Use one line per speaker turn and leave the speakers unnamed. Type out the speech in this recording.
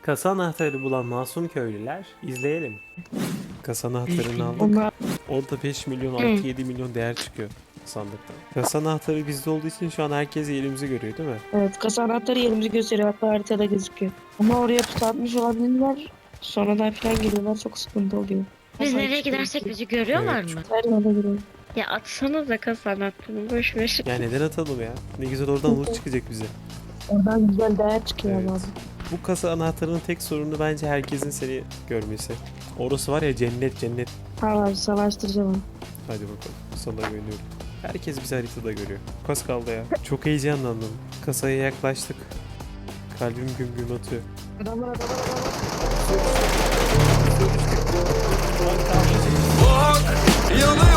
Kasa anahtarı bulan masum köylüler, izleyelim. Kasa anahtarını aldık.
Onlar
Orada 5 milyon 6-7 milyon değer çıkıyor sandıktan. Kasa anahtarı bizde olduğu için şu an herkes yerimizi görüyor değil mi?
evet, kasa anahtarı yerimizi gösteriyor, hatta haritada gözüküyor. Ama oraya pusu atmış olabilirler. Sonradan falan geliyorlar, çok sıkıntı oluyor.
Biz
Kasa
nereye
içi
gidersek
gözüküyor.
bizi görüyorlar
Evet,
mı?
Her yerde görüyor.
Ya atsana da kasa anahtarını boş ver.
Ya neden atalım ya? Ne güzel oradan loot çıkacak bize.
Oradan güzel değer çıkıyor
Evet.
abi.
Bu kasa anahtarının tek sorunu bence herkesin seni görmesi. Orası var ya cennet cennet.
Tamam abi, savaştıracağım onu.
Hadi bakalım. Sana güveniyorum. Herkes bizi haritada görüyor. Kas kaldı ya. Çok heyecanlandım. Kasaya yaklaştık. Kalbim güm güm atıyor.
Adamlar.
Bak yanıyor.